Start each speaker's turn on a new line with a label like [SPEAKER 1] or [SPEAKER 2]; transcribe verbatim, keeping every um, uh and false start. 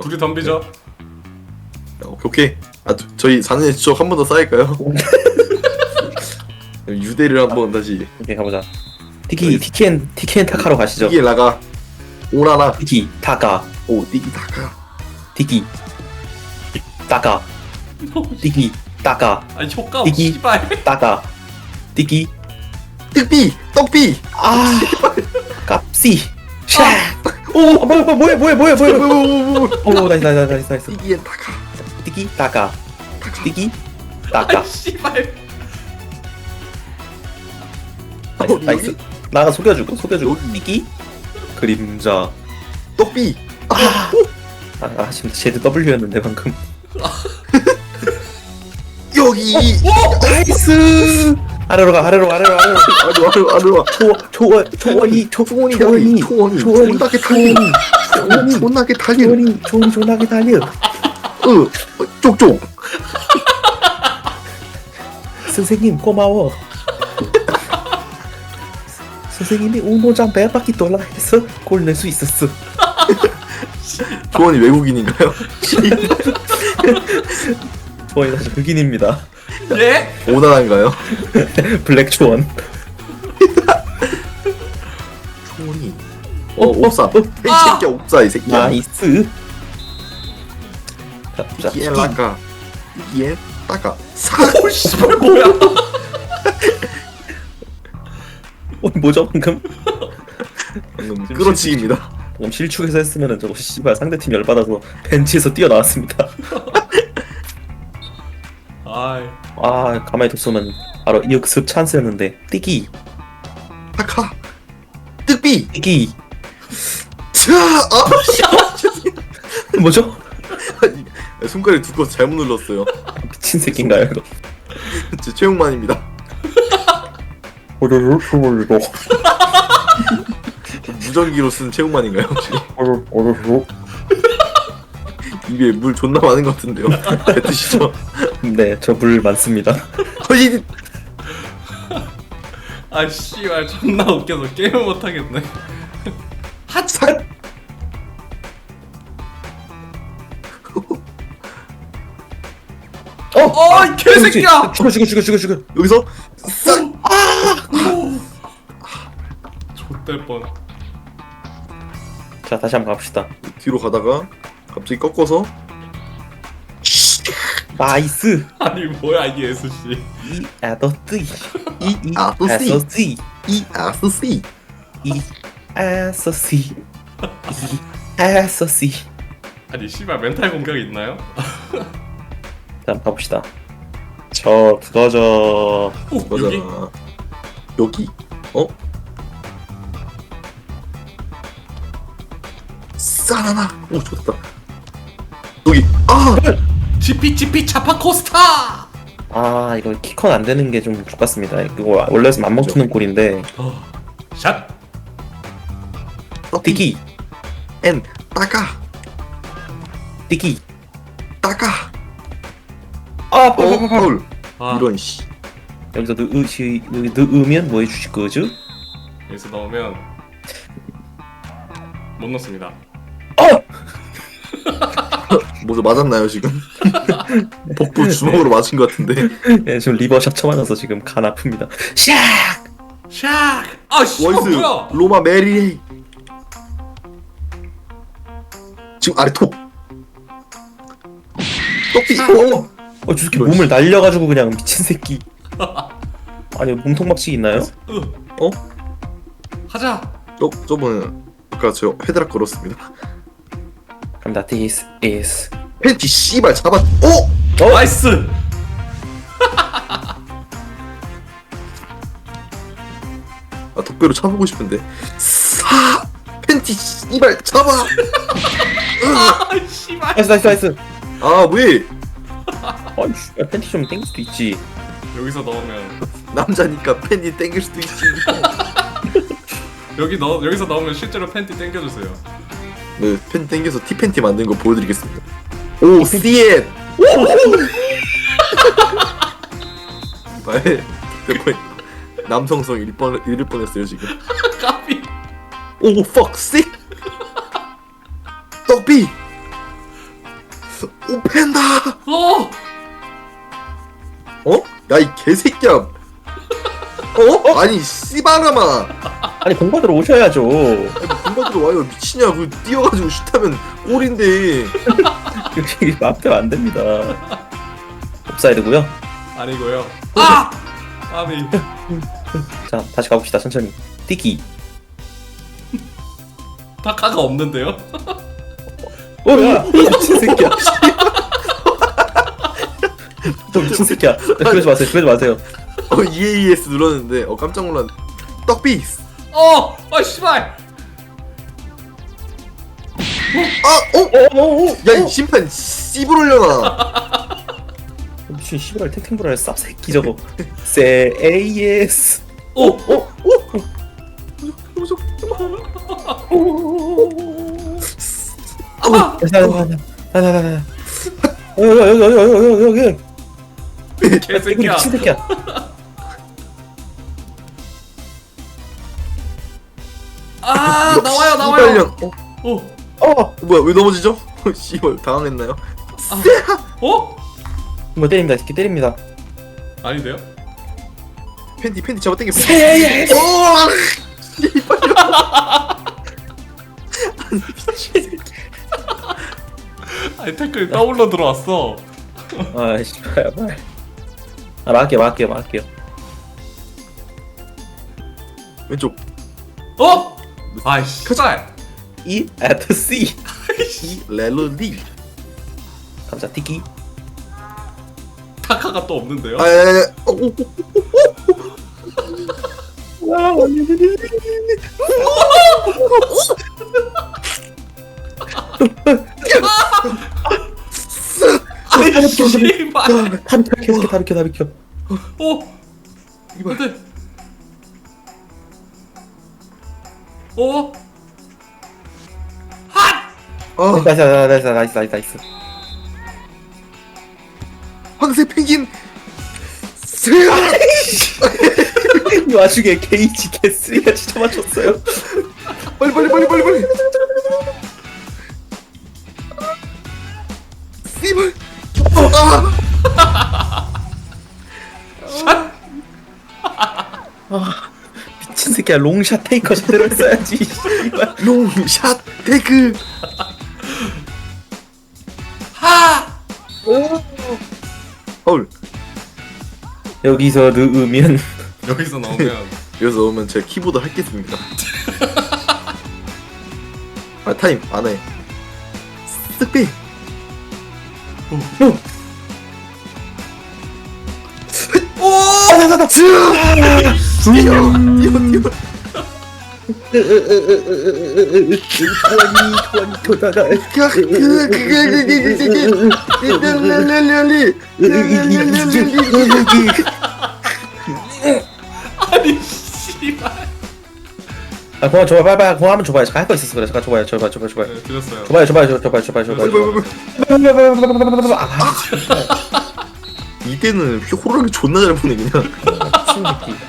[SPEAKER 1] 우리 덤비죠.
[SPEAKER 2] 오케이 오케이. 아 저, 저희 사 년의 추억 한 번 더 쌓일까요? 유대를 한번 다시.
[SPEAKER 3] 오케이 가보자. 티키 티키엔 티키엔 타카로 가시죠.
[SPEAKER 2] 이게 나가 오라라.
[SPEAKER 3] 티키 타카
[SPEAKER 2] 오 띠기 타카.
[SPEAKER 3] 티키 타카 티키 타카
[SPEAKER 1] 아니 효과
[SPEAKER 3] 이기-
[SPEAKER 1] 씨발.
[SPEAKER 3] 타카 티키
[SPEAKER 2] 떡비 떡비.
[SPEAKER 3] 아 깝시 샤. 오 뭐야 뭐야 뭐야 뭐야 뭐야 뭐야. 오 나이스 나이스 나이스 나이스.
[SPEAKER 2] 띠기엔 타카.
[SPEAKER 3] 티키 타카
[SPEAKER 2] 타카.
[SPEAKER 3] 티키 타카.
[SPEAKER 1] 아 씨발.
[SPEAKER 3] 나이스
[SPEAKER 2] 여기?
[SPEAKER 3] 나이스. 나가 속여주고 속여주고
[SPEAKER 2] 여기.
[SPEAKER 3] 티키 그림자.
[SPEAKER 2] 떡비.
[SPEAKER 3] 아, 아, 아 지금 제드 W였는데 방금.
[SPEAKER 2] 여기.
[SPEAKER 3] 나이스. 아래로 가 아래로 아래로 아래로.
[SPEAKER 2] 아루 아루 아루.
[SPEAKER 3] 초 초원 초원이 초
[SPEAKER 2] 초원이
[SPEAKER 3] 초원이
[SPEAKER 2] 초원이
[SPEAKER 3] 초원이
[SPEAKER 2] 존나게 달려. 초원이 존나게 달려.
[SPEAKER 3] 초원이 초원이 존나게 달려.
[SPEAKER 2] 으 쪽쪽.
[SPEAKER 3] 선생님 고마워. 선생님이 운동장 몇 바퀴 돌라 해서 골 낼 수 있었어.
[SPEAKER 2] 초원이 외국인인가요?
[SPEAKER 3] 초원이 사실 흑인입니다.
[SPEAKER 1] 예?
[SPEAKER 2] 오나라인가요?
[SPEAKER 3] 블랙 초원.
[SPEAKER 2] 초원이. 어 옵사.
[SPEAKER 3] 어,
[SPEAKER 2] 이 새끼야 옵사 이 새끼야.
[SPEAKER 3] 나이스. 자, 자,
[SPEAKER 2] 이기엔 라카. 이기엔 따까. 사.
[SPEAKER 1] 오 씨발 뭐야?
[SPEAKER 3] 어, 뭐죠 방금?
[SPEAKER 2] 방금 끌어치기입니다.
[SPEAKER 3] 방금 실축해서 했으면은 저거 씨발 상대팀 열받아서 벤치에서 뛰어나왔습니다.
[SPEAKER 1] 아이.
[SPEAKER 3] 아 가만히 뒀으면 바로 역습 찬스였는데. 띠기
[SPEAKER 2] 타카. 뜩비.
[SPEAKER 3] 띠기.
[SPEAKER 2] 자. 아.
[SPEAKER 3] 뭐죠?
[SPEAKER 2] 손가락에 두 거 잘못 눌렀어요.
[SPEAKER 3] 미친 새끼인가요 이거?
[SPEAKER 2] 제 최용만입니다.
[SPEAKER 3] 오르르 오르르
[SPEAKER 2] 무전기로 쓴 최용만인가요 혹시?
[SPEAKER 3] 오르르 오르르.
[SPEAKER 2] 입에 물 존나 많은 것 같은데요. 뱉으시죠.
[SPEAKER 3] 네, 저 물 많습니다.
[SPEAKER 2] 허이.
[SPEAKER 1] 아 씨발 존나 웃겨서 게임을 못 하겠네.
[SPEAKER 2] 핫삭.
[SPEAKER 3] 어,
[SPEAKER 1] 어, 이 개새끼야!
[SPEAKER 3] 죽어 죽어 죽어 죽어 죽어.
[SPEAKER 2] 여기서 싹.
[SPEAKER 1] 좆될 뻔.
[SPEAKER 3] 자 다시 한번 갑시다.
[SPEAKER 2] 뒤로 가다가 갑자기 꺾어서
[SPEAKER 3] 나이스.
[SPEAKER 1] 아니 뭐야 이게 에스씨.
[SPEAKER 3] 이 아더스 이이
[SPEAKER 2] 아더스.
[SPEAKER 3] 아서스
[SPEAKER 2] 이 아스씨.
[SPEAKER 3] 이 아서스 이 아서스.
[SPEAKER 1] 아니 씨발 멘탈 공격 있나요?
[SPEAKER 3] 자 한번 가봅시다. 저 그거죠.
[SPEAKER 1] 오 여기?
[SPEAKER 2] 맞아. 여기. 어? 싸나나. 오 좋다. 여기. 아.
[SPEAKER 1] 지피 지피 차파 코스타.
[SPEAKER 3] 아 이거 키컨 안 되는 게 좀 좋겠습니다. 이거 원래는 안 먹히는 골인데.
[SPEAKER 1] 어. 샷.
[SPEAKER 3] 띠기
[SPEAKER 2] 엔 따까.
[SPEAKER 3] 띠기.
[SPEAKER 2] 따까.
[SPEAKER 3] 아
[SPEAKER 2] 어 파울.
[SPEAKER 1] 아
[SPEAKER 2] 이런 씨.
[SPEAKER 3] 여기서 넣으시 넣으면 뭐 해주실 거죠?
[SPEAKER 1] 여기서 넣으면 못 넣습니다.
[SPEAKER 3] 어!
[SPEAKER 2] 뭐죠 맞았나요 지금? 복부 주먹으로 맞은 것 같은데.
[SPEAKER 3] 예, 지금 리버샷 쳐맞아서 지금 간 아픕니다. 샥!
[SPEAKER 1] 샷. 아 씨발
[SPEAKER 2] 원스
[SPEAKER 1] 뭐야?
[SPEAKER 2] 로마 메리레이. 지금 아래 톱. 똑비. 어.
[SPEAKER 3] 어, 저 새끼
[SPEAKER 2] 이런
[SPEAKER 3] 몸을 날려가지고 그냥 미친 새끼. 아니 몸통 박치기 있나요?
[SPEAKER 1] 으.
[SPEAKER 2] 어?
[SPEAKER 1] 하자.
[SPEAKER 2] 저 저번에 아까 저 헤드락 걸었습니다.
[SPEAKER 3] 갑니다. This is.
[SPEAKER 2] 팬티 씨발 잡았. 어?
[SPEAKER 3] 어?
[SPEAKER 1] 나이스.
[SPEAKER 2] 아 덕배로 차보고 싶은데. 사 팬티 씨발 잡아.
[SPEAKER 1] 아 씨발.
[SPEAKER 3] 나이스 나이스 나이스.
[SPEAKER 2] 아 왜?
[SPEAKER 3] 아니 씨, 팬티 좀 땡길 수도 있지.
[SPEAKER 1] 여기서 넣으면
[SPEAKER 2] 남자니까 팬티 땡길 수도 있지.
[SPEAKER 1] 여기 넣 여기서 넣으면 실제로 팬티 당겨주세요.
[SPEAKER 2] 네, 팬 땡겨서 티 팬티 만든 거 보여드리겠습니다. 오, 씨엣! 나의 대포 남성성 잃을 뻔 잃을 뻔했어요 지금.
[SPEAKER 1] 까비.
[SPEAKER 2] 오, fuck, sick. 떡비. 오 팬다.
[SPEAKER 1] 어!
[SPEAKER 2] 어? 야 이 개새끼야. 어? 아니 씨바라마.
[SPEAKER 3] 아니 공받으러 오셔야죠.
[SPEAKER 2] 공받으러 와요. 미치냐? 그 뛰어가지고 슛하면 골인데.
[SPEAKER 3] 여기 앞에 안 됩니다. 옵사이드고요.
[SPEAKER 1] 아니고요. 아! 아니.
[SPEAKER 3] 자 다시 가봅시다 천천히. 띠기.
[SPEAKER 1] 타카가 없는데요?
[SPEAKER 3] 어, 야, 미친 새끼야. 저 미친 새끼야. 그러지 마세요. 그러지 마세요.
[SPEAKER 2] 어 이에이에스 눌렀는데 어 깜짝 놀랐네. 떡비스.
[SPEAKER 1] 어! 아 씨발!
[SPEAKER 2] 아! 어?
[SPEAKER 3] 어, 어, 어.
[SPEAKER 2] 야 이 심판 씨불 올려놔.
[SPEAKER 3] 미친 씨발 탱탱브라의 쌉새끼 저거. 세 에이에스.
[SPEAKER 1] 오!
[SPEAKER 3] 어,
[SPEAKER 1] 아!
[SPEAKER 3] 나나나나나나나. 여기 여기 여기 여기 여기 여기.
[SPEAKER 1] 개새끼야.
[SPEAKER 3] 미친 새끼야.
[SPEAKER 1] 아!
[SPEAKER 2] 역시
[SPEAKER 1] 나와요 나와요!
[SPEAKER 2] 씨발년. 어?
[SPEAKER 1] 오!
[SPEAKER 3] 어,
[SPEAKER 2] 뭐야 왜 넘어지죠? 씨발 당황했나요?
[SPEAKER 1] 어?
[SPEAKER 3] 뭐 때립니다. 이렇게 때립니다.
[SPEAKER 1] 아닌데요?
[SPEAKER 2] 팬티 팬티 잡아 당겨.
[SPEAKER 3] 세 에이에스.
[SPEAKER 2] 오! 씨발년.
[SPEAKER 1] 아니 태클 더블로 들어왔어.
[SPEAKER 3] 아, 씨발, 말. 아, 막을게요, 막을게요, 막을게요.
[SPEAKER 2] 왼쪽.
[SPEAKER 1] 어? 아이씨. 크잘.
[SPEAKER 3] E at C.
[SPEAKER 2] 이 렐로리.
[SPEAKER 3] 감사, 티키.
[SPEAKER 1] 타카가 또 없는데요?
[SPEAKER 2] 아야야야. 어, 오, 오.
[SPEAKER 1] 아이 씨발.
[SPEAKER 3] 다 비켜, 계속해, 다 비켜, 다 비켜.
[SPEAKER 1] 어?
[SPEAKER 2] 이발.
[SPEAKER 1] 안돼. 어? 핫!
[SPEAKER 2] 아
[SPEAKER 3] 나이스, 나이스, 나이스, 나이스, 나이스.
[SPEAKER 2] 황새 펭귄. 스야.
[SPEAKER 3] 이 와중에 게이지 개쓰리가 진짜 맞췄어요.
[SPEAKER 2] 빨리 빨리 빨리 빨리 빨리. 씨발. 아.
[SPEAKER 3] 미친 새끼야, 롱샷 테이커 제대로 했어야지. 씨발.
[SPEAKER 2] 롱샷 테크.
[SPEAKER 1] 하!
[SPEAKER 2] 파울.
[SPEAKER 3] 여기서 넣으면
[SPEAKER 1] 여기서 나오면
[SPEAKER 2] 여기서 오면 제가 키보드 할겠습니다. 아 타임 안 해. 스피.
[SPEAKER 1] 오!
[SPEAKER 2] 나나나 뛰어 뛰어 뛰어.
[SPEAKER 3] 조원이 조원이 교다가
[SPEAKER 2] 그게 그게 그게 그게 렐렐렐렐리 렐렐렐렐리.
[SPEAKER 1] 아니 씨발.
[SPEAKER 3] 아 그만 줘봐 빨리 빨리 그만 한번 줘봐요. 잠깐 할 거 있었어 그래. 잠깐 줘봐요 줘봐 줘봐 줘봐
[SPEAKER 1] 네, 드렸어요.
[SPEAKER 3] 줘봐요 줘봐요 줘봐요 줘봐요 줘봐요. 아
[SPEAKER 2] 이때는 호랑이 존나 잘 보내 그냥.
[SPEAKER 3] 미친 새끼.